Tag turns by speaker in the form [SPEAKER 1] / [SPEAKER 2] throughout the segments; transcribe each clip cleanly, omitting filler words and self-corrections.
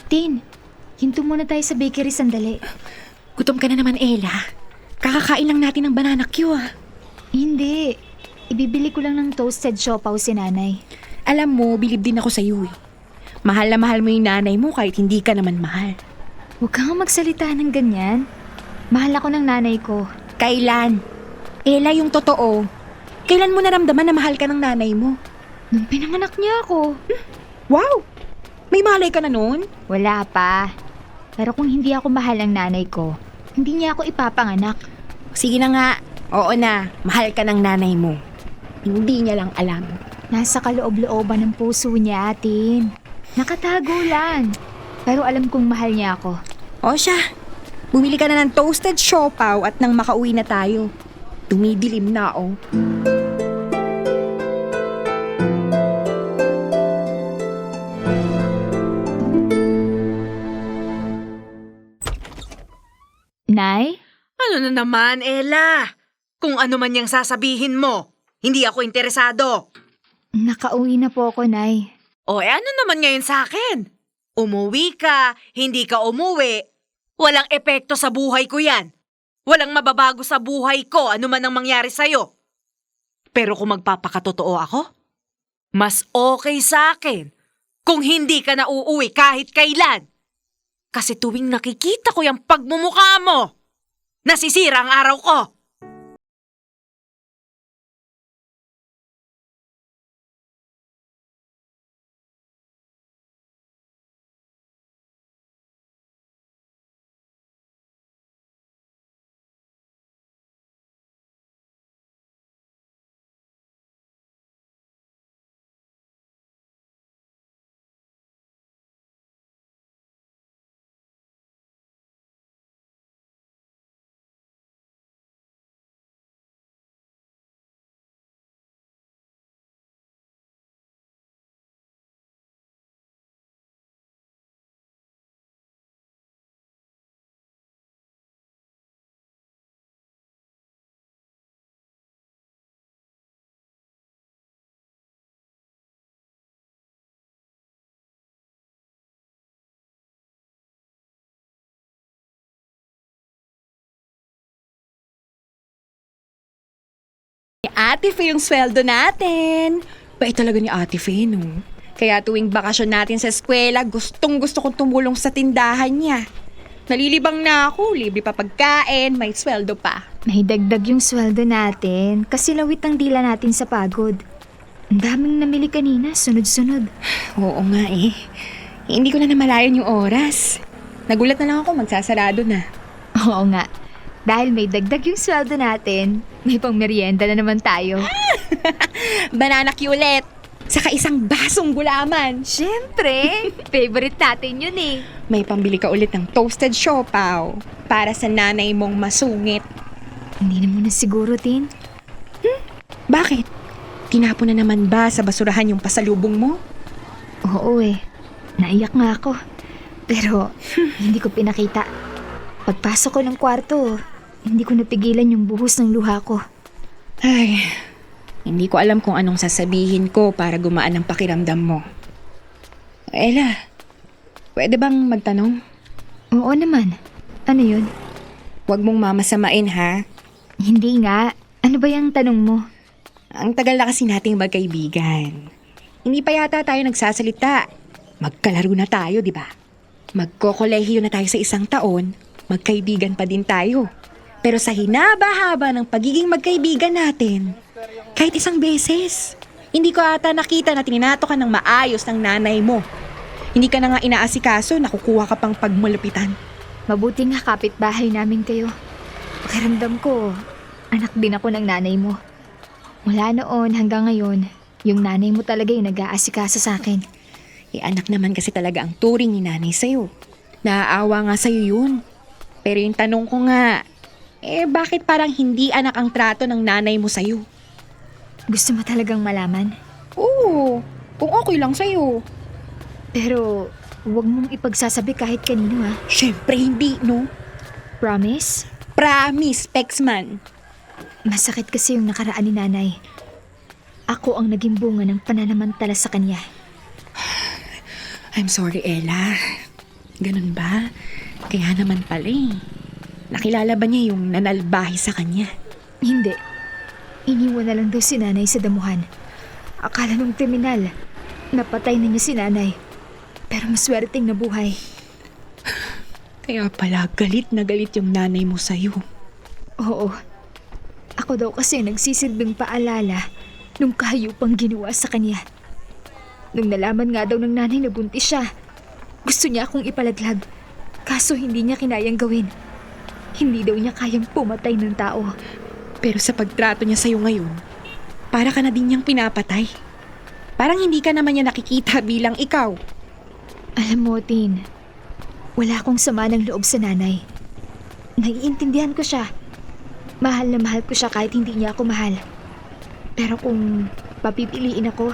[SPEAKER 1] Tin, hinto muna tayo sa bakery sandali.
[SPEAKER 2] Gutom ka na naman, Ella. Kakakain lang natin ng banana Q
[SPEAKER 1] Hindi. Ibibili ko lang ng toasted siopaw si nanay.
[SPEAKER 2] Alam mo, bilib din ako sa iyo Mahal na mahal mo yung nanay mo kahit hindi ka naman mahal.
[SPEAKER 1] Huwag kang magsalita ng ganyan. Mahal ako ng nanay ko.
[SPEAKER 2] Kailan? Ella, yung totoo. Kailan mo naramdaman na mahal ka ng nanay mo?
[SPEAKER 1] Nung pinanganak niya ako.
[SPEAKER 2] Wow! May malay ka na nun?
[SPEAKER 1] Wala pa. Pero kung hindi ako mahal ng nanay ko, hindi niya ako ipapanganak.
[SPEAKER 2] Sige na nga. Oo na, mahal ka ng nanay mo. Hindi niya lang alam.
[SPEAKER 1] Nasa kaloob-looban ng puso niya, Tin. Nakatago lang. Pero alam kong mahal niya ako.
[SPEAKER 2] O siya, bumili ka na ng toasted siopaw at nang makauwi na tayo. Tumidilim na
[SPEAKER 1] Nay?
[SPEAKER 3] Ano na naman, Ella? Kung ano man yung sasabihin mo, hindi ako interesado.
[SPEAKER 1] Nakauwi na po ako, Nay.
[SPEAKER 3] O ano naman ngayon sa akin? Umuwi ka, hindi ka umuwi. Walang epekto sa buhay ko yan. Walang mababago sa buhay ko ano man ang mangyari sa'yo. Pero kung magpapakatotoo ako, mas okay sa akin kung hindi ka na uuwi kahit kailan. Kasi tuwing nakikita ko yung pagmumukha mo, nasisira ang araw ko.
[SPEAKER 2] Ate Fe yung sweldo natin. Bait talaga ni Ate Fe, no? Kaya tuwing bakasyon natin sa eskwela, gustong gusto kong tumulong sa tindahan niya. Nalilibang na ako, libre pa pagkain, may sweldo pa.
[SPEAKER 1] May dagdag yung sweldo natin kasi lawit ang dila natin sa pagod. Ang daming namili kanina, sunod-sunod.
[SPEAKER 2] Oo nga eh. Hindi ko na namalayan yung oras. Nagulat na lang ako, magsasarado na.
[SPEAKER 1] Oo nga. Dahil may dagdag yung sweldo natin, may pang merienda na naman tayo.
[SPEAKER 2] Banana Q ulit. Saka isang basong gulaman.
[SPEAKER 1] Siyempre, favorite natin yun eh.
[SPEAKER 2] May pambili ka ulit ng toasted siopaw para sa nanay mong masungit.
[SPEAKER 1] Hindi na muna siguro, Tin.
[SPEAKER 2] Bakit? Tinapon na naman ba sa basurahan yung pasalubong mo?
[SPEAKER 1] Oo eh. Naiyak nga ako. Pero hindi ko pinakita. Pagpasok ko ng kwarto, hindi ko napigilan yung buhos ng luha ko.
[SPEAKER 2] Ay, hindi ko alam kung anong sasabihin ko para gumaan ang pakiramdam mo. Ella, pwede bang magtanong?
[SPEAKER 1] Oo naman. Ano yun?
[SPEAKER 2] Huwag mong mamasamain ha.
[SPEAKER 1] Hindi nga. Ano ba yung tanong mo?
[SPEAKER 2] Ang tagal na kasi nating magkaibigan. Hindi pa yata tayo nagsasalita. Magkalaro na tayo, di ba? Magkokolehiyo na tayo sa isang taon, magkaibigan pa din tayo. Pero sa hinaba-haba ng pagiging magkaibigan natin, kahit isang beses, hindi ko ata nakita na tininato ka ng maayos ng nanay mo. Hindi ka na nga inaasikaso, nakukuha ka pang pagmulupitan.
[SPEAKER 1] Mabuti nga kapitbahay namin kayo. Pakiramdam ko, anak din ako ng nanay mo. Mula noon hanggang ngayon, yung nanay mo talaga yung nag-aasikaso sa akin.
[SPEAKER 2] Anak naman kasi talaga ang turing ni nanay sa'yo. Naaawa nga sa'yo yun. Pero yung tanong ko nga, bakit parang hindi anak ang trato ng nanay mo sa'yo?
[SPEAKER 1] Gusto mo talagang malaman?
[SPEAKER 2] Oo, kung okay lang sa'yo.
[SPEAKER 1] Pero, huwag mong ipagsasabi kahit kanino ha.
[SPEAKER 2] Siyempre hindi, no?
[SPEAKER 1] Promise?
[SPEAKER 2] Promise, Pexman.
[SPEAKER 1] Masakit kasi yung nakaraan ni nanay. Ako ang naging bunga ng pananamantala sa kanya.
[SPEAKER 2] I'm sorry, Ella. Ganun ba? Kaya naman pala eh. Nakilala ba niya yung nanalbahi sa kanya?
[SPEAKER 1] Hindi. Iniwan na lang daw si nanay sa damuhan. Akala nung kriminal, napatay na niya si nanay. Pero maswerteng nabuhay.
[SPEAKER 2] Kaya pala galit na galit yung nanay mo sa'yo.
[SPEAKER 1] Oo. Ako daw kasi nagsisilbing paalala nung kahayupang ginawa sa kanya. Nung nalaman nga daw ng nanay na buntis siya, gusto niya akong ipalaglag. Kaso hindi niya kinayang gawin. Hindi daw niya kayang pumatay ng tao.
[SPEAKER 2] Pero sa pagtrato niya sa'yo ngayon, para ka na din niyang pinapatay. Parang hindi ka naman niya nakikita bilang ikaw.
[SPEAKER 1] Alam mo, Tin, wala akong sama ng loob sa nanay. Naiintindihan ko siya. Mahal na mahal ko siya kahit hindi niya ako mahal. Pero kung papipiliin ako,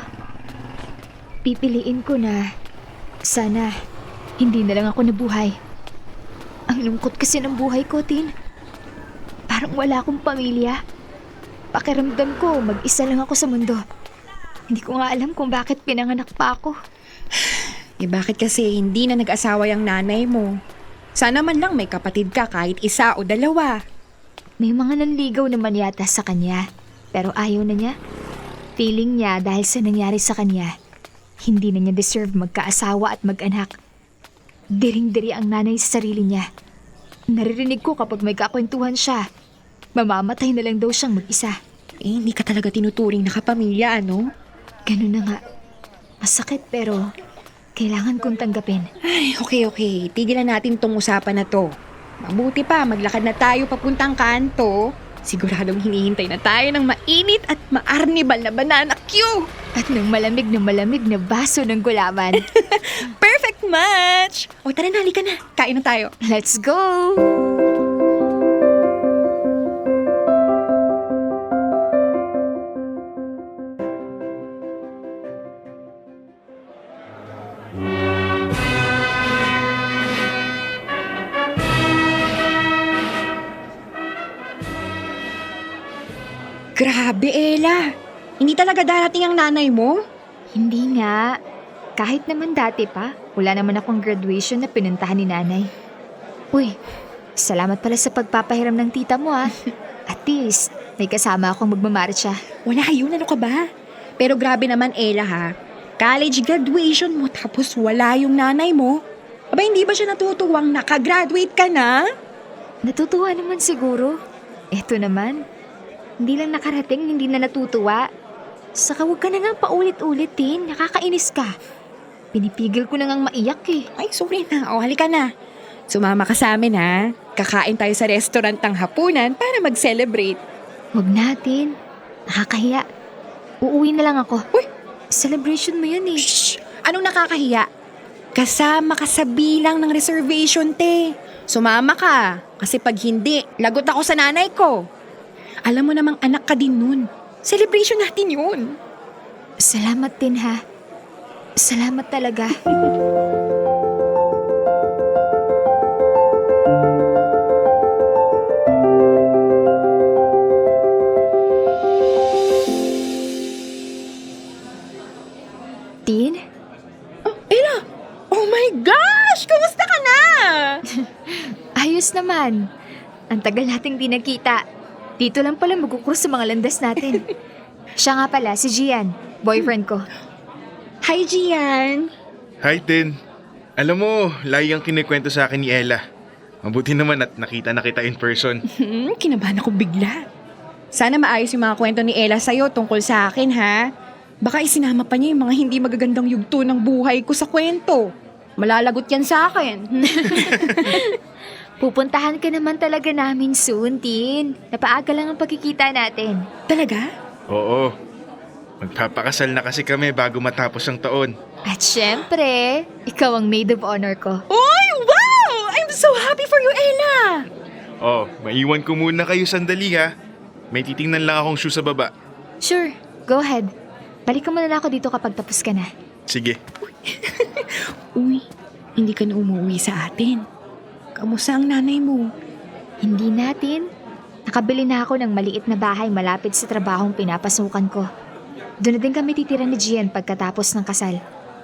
[SPEAKER 1] pipiliin ko na sana hindi na lang ako nabuhay. Ang lungkot kasi ng buhay ko, Tin. Parang wala akong pamilya. Pakiramdam ko, mag-isa lang ako sa mundo. Hindi ko nga alam kung bakit pinanganak pa ako.
[SPEAKER 2] Eh bakit kasi hindi na nag-asawa yung nanay mo? Sana man lang may kapatid ka kahit isa o dalawa.
[SPEAKER 1] May mga nanligaw naman yata sa kanya, pero ayaw na niya. Feeling niya dahil sa nangyari sa kanya, hindi na niya deserve magkaasawa at mag-anak. Diring-diri ang nanay sa sarili niya. Naririnig ko kapag may kakwentuhan siya, mamamatay na lang daw siyang mag-isa.
[SPEAKER 2] Eh hindi ka talaga tinuturing na kapamilya, ano?
[SPEAKER 1] Ganun na nga. Masakit pero kailangan kong tanggapin.
[SPEAKER 2] Ay, okay. Tigilan natin tong usapan na to. Mabuti pa, maglakad na tayo papuntang kanto. Siguradong hinihintay na tayo ng mainit at maarnibal na banana cue.
[SPEAKER 1] At ng malamig na baso ng gulaman.
[SPEAKER 2] Perfect match! O tara na, halika na. Kain na tayo.
[SPEAKER 1] Let's go!
[SPEAKER 2] Grabe, Ella. Hindi talaga darating ang nanay mo?
[SPEAKER 1] Hindi nga. Kahit naman dati pa, wala naman akong graduation na pinuntahan ni nanay. Uy, salamat pala sa pagpapahiram ng tita mo At least, may kasama akong magmamarcha.
[SPEAKER 2] Wala yun, ano ka ba? Pero grabe naman, Ella ha. College graduation mo tapos wala yung nanay mo. Aba, hindi ba siya natutuwang nakagraduate ka na?
[SPEAKER 1] Natutuwa naman siguro. Eto naman, hindi lang nakarating, hindi na natutuwa. Saka huwag ka na nga paulit-ulit din, nakakainis ka. Pinipigil ko na ngang maiyak eh.
[SPEAKER 2] Ay, sorry na. O, halika na. Sumama ka sa amin ha. Kakain tayo sa restaurant ng hapunan para mag-celebrate.
[SPEAKER 1] Huwag natin. Nakakahiya. Uuwi na lang ako.
[SPEAKER 2] Uy!
[SPEAKER 1] Celebration mo yun eh.
[SPEAKER 2] Shh! Anong nakakahiya? Kasama ka sa bilang ng reservation, te. Sumama ka. Kasi pag hindi, lagot ako sa nanay ko. Alam mo namang anak ka din nun. Celebration natin yun.
[SPEAKER 1] Salamat din ha. Salamat talaga. Tin?
[SPEAKER 2] Oh, Ella! Oh my gosh! Kumusta ka na?
[SPEAKER 1] Ayos naman. Ang tagal nating di nagkita. Dito lang pala magkukrus sa mga landas natin. Siya nga pala, si Gian, boyfriend ko.
[SPEAKER 2] Hi, Gian.
[SPEAKER 4] Hi, Tin. Alam mo, lahi ang kinikwento sa akin ni Ella. Mabuti naman at nakita na kita in person.
[SPEAKER 2] Kinabahan ako bigla. Sana maayos yung mga kwento ni Ella sa'yo tungkol sa akin, ha? Baka isinama pa niya yung mga hindi magagandang yugto ng buhay ko sa kwento. Malalagot yan sa akin.
[SPEAKER 1] Pupuntahan ka naman talaga namin soon, Tin. Napaaga lang ang pagkikita natin.
[SPEAKER 2] Talaga?
[SPEAKER 4] Oo. Magpapakasal na kasi kami bago matapos ang taon.
[SPEAKER 1] At syempre, ikaw ang maid of honor ko.
[SPEAKER 2] Oy, wow! I'm so happy for you, Ella!
[SPEAKER 4] Oh, maiwan ko muna kayo sandali ha. May titingnan lang akong shoe sa baba.
[SPEAKER 1] Sure, go ahead. Balikan mo na lang ako dito kapag tapos ka na.
[SPEAKER 4] Sige.
[SPEAKER 2] Uy, hindi ka na umuwi sa atin. Kamusta ang nanay mo?
[SPEAKER 1] Hindi natin. Nakabili na ako ng maliit na bahay malapit sa trabahong pinapasukan ko. Doon na din kami titira ni Gian pagkatapos ng kasal.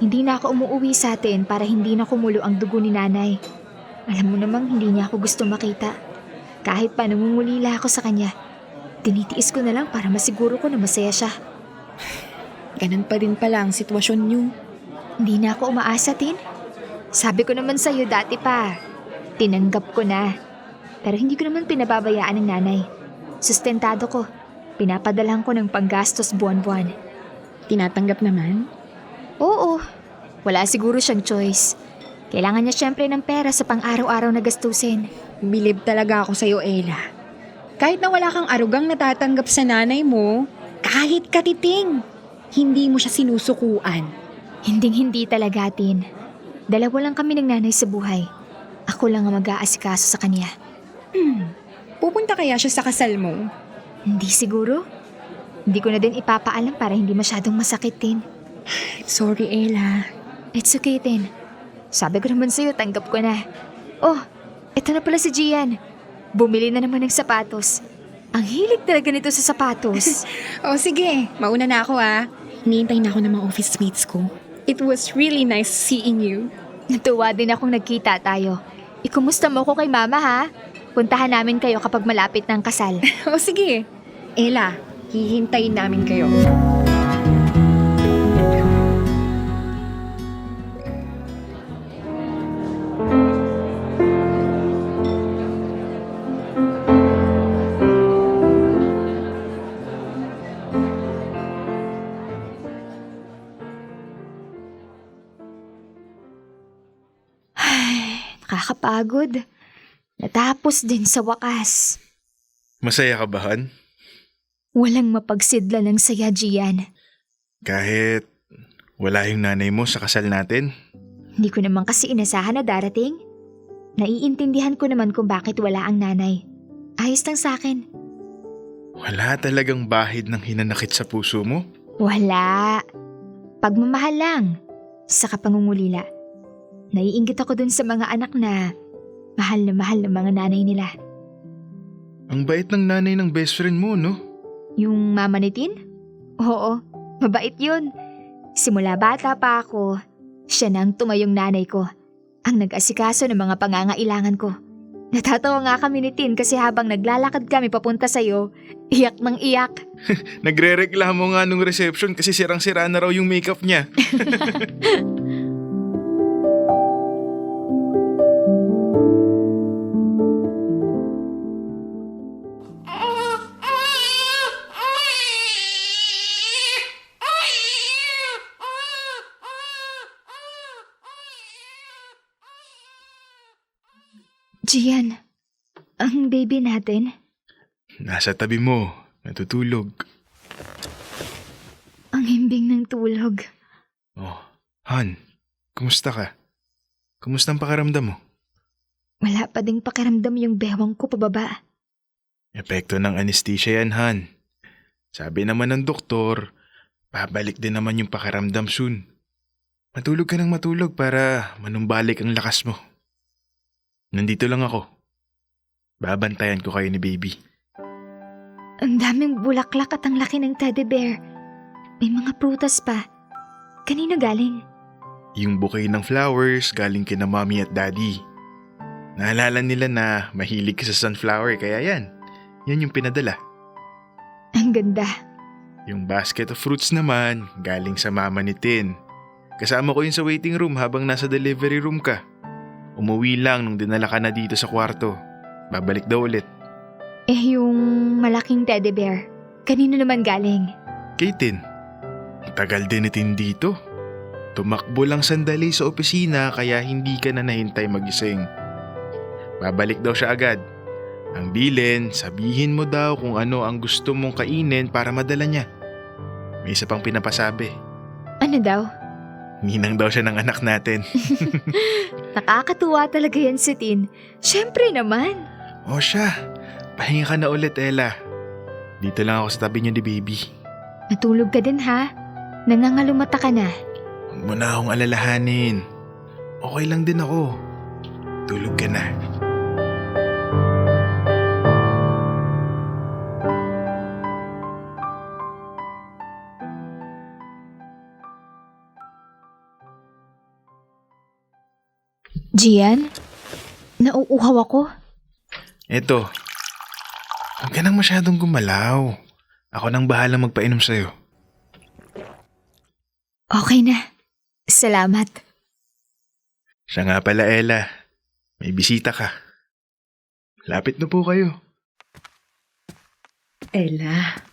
[SPEAKER 1] Hindi na ako umuwi sa atin para hindi na kumulo ang dugo ni nanay. Alam mo namang hindi niya ako gusto makita. Kahit pa nangungulila ako sa kanya, tinitiis ko na lang para masiguro ko na masaya siya.
[SPEAKER 2] Ganun pa din pala ang sitwasyon niyo.
[SPEAKER 1] Hindi na ako umaasa, Tin. Sabi ko naman sa'yo dati pa. Tinanggap ko na. Pero hindi ko naman pinababayaan ng nanay. Sustentado ko. Pinapadalhan ko ng panggastos buwan-buwan.
[SPEAKER 2] Tinatanggap naman?
[SPEAKER 1] Oo. Wala siguro siyang choice. Kailangan niya syempre ng pera sa pang-araw-araw na gastusin.
[SPEAKER 2] Bilib talaga ako sa'yo, Ella. Kahit na wala kang arugang natatanggap sa nanay mo, kahit katiting, hindi mo siya sinusukuan.
[SPEAKER 1] Hinding-hindi talaga, Tin. Dalawa lang kami ng nanay sa buhay. Ako lang ang mag-aasikaso sa kanya.
[SPEAKER 2] Pupunta kaya siya sa kasal mo?
[SPEAKER 1] Hindi siguro. Hindi ko na din ipapaalam para hindi masyadong masakit, Tin.
[SPEAKER 2] Sorry, Ella.
[SPEAKER 1] It's okay, Tin. Sabi ko naman sa'yo, tanggap ko na. Oh, eto na pala si Gian. Bumili na naman ng sapatos. Ang hilig talaga nito sa sapatos.
[SPEAKER 2] O sige, mauna na ako Hinihintay na ako ng mga office mates ko. It was really nice seeing you.
[SPEAKER 1] Natuwa din akong nagkita tayo. Ikumusta mo ko kay mama, ha? Puntahan namin kayo kapag malapit ng kasal.
[SPEAKER 2] O sige. Ella, hihintayin namin kayo.
[SPEAKER 1] Nakakapagod. Natapos din sa wakas.
[SPEAKER 4] Masaya ka ba, Han?
[SPEAKER 1] Walang mapagsidla ng saya, Gian.
[SPEAKER 4] Kahit wala yung nanay mo sa kasal natin?
[SPEAKER 1] Hindi ko naman kasi inasahan na darating. Naiintindihan ko naman kung bakit wala ang nanay. Ayos lang sa akin.
[SPEAKER 4] Wala talagang bahid ng hinanakit sa puso mo?
[SPEAKER 1] Wala. Pagmamahal lang. Saka pangungulila. Naiinggit ako dun sa mga anak na mahal ng mga nanay nila.
[SPEAKER 4] Ang bait ng nanay ng best friend mo, no?
[SPEAKER 1] Yung mama ni Tin? Oo, mabait yun. Simula bata pa ako, siya na ang tumayong nanay ko. Ang nag-asikaso ng mga pangangailangan ko. Natatawa nga kami ni Tin kasi habang naglalakad kami papunta sa'yo, iyak ng iyak.
[SPEAKER 4] Nagre-reklamo nga nung reception kasi sirang-sira na raw yung makeup niya.
[SPEAKER 1] Gian, ang baby natin.
[SPEAKER 4] Nasa tabi mo, natutulog.
[SPEAKER 1] Ang himbing ng tulog.
[SPEAKER 4] Oh, Han, kumusta ka? Kumusta ang pakiramdam mo?
[SPEAKER 1] Wala pa ding pakiramdam yung bewang ko pababa.
[SPEAKER 4] Epekto ng anesthesia yan, Han. Sabi naman ng doktor, babalik din naman yung pakiramdam soon. Matulog ka ng matulog para manumbalik ang lakas mo. Nandito lang ako. Babantayan ko kayo ni baby.
[SPEAKER 1] Ang daming bulaklak at ang laki ng teddy bear. May mga prutas pa. Kanino galing?
[SPEAKER 4] Yung bouquet ng flowers galing kina mommy at daddy. Naalala nila na mahilig ka sa sunflower kaya yan. Yan yung pinadala.
[SPEAKER 1] Ang ganda.
[SPEAKER 4] Yung basket of fruits naman galing sa mama ni Tin. Kasama ko yun sa waiting room habang nasa delivery room ka. Umuwi lang nung dinala ka na dito sa kwarto. Babalik daw ulit.
[SPEAKER 1] Yung malaking teddy bear. Kanino naman galing?
[SPEAKER 4] Kay Tin. Tagal din ni Tin dito. Tumakbo lang sandali sa opisina kaya hindi ka na nahintay magising. Babalik daw siya agad. Ang bilin, sabihin mo daw kung ano ang gusto mong kainin para madala niya. May isa pang pinapasabi.
[SPEAKER 1] Ano daw?
[SPEAKER 4] Ninang daw siya ng anak natin.
[SPEAKER 1] Nakakatuwa talaga yan si Tin. Siyempre naman.
[SPEAKER 4] O siya, pahinga ka na ulit, Ella. Dito lang ako sa tabi niyo ni baby.
[SPEAKER 1] Natulog ka din ha? Nangangalumata ka na.
[SPEAKER 4] Huwag mo na akong alalahanin. Okay lang din ako. Tulog ka na.
[SPEAKER 1] Gian? Nauuhaw ako.
[SPEAKER 4] Eto, huwag ka nang masyadong gumalaw. Ako nang bahalang magpainom sa'yo.
[SPEAKER 1] Okay na. Salamat.
[SPEAKER 4] Siya nga pala, Ella. May bisita ka. Lapit na po kayo.
[SPEAKER 2] Ella.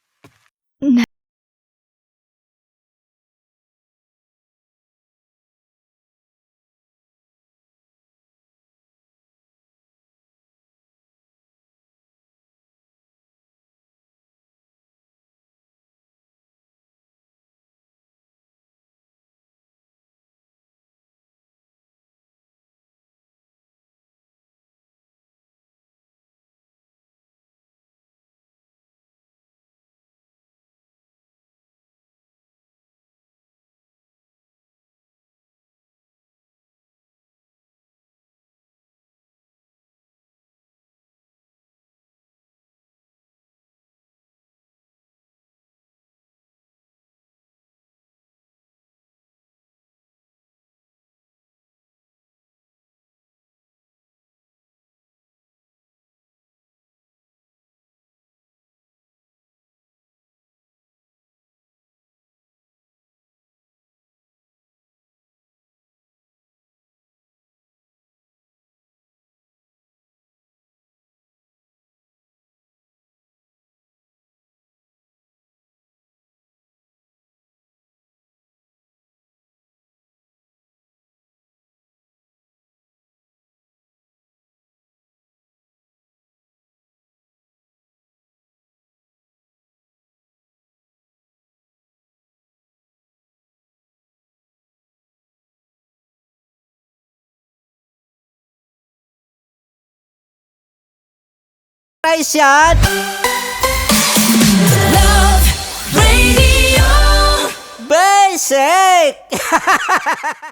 [SPEAKER 5] Price yan! Love Radio Basic!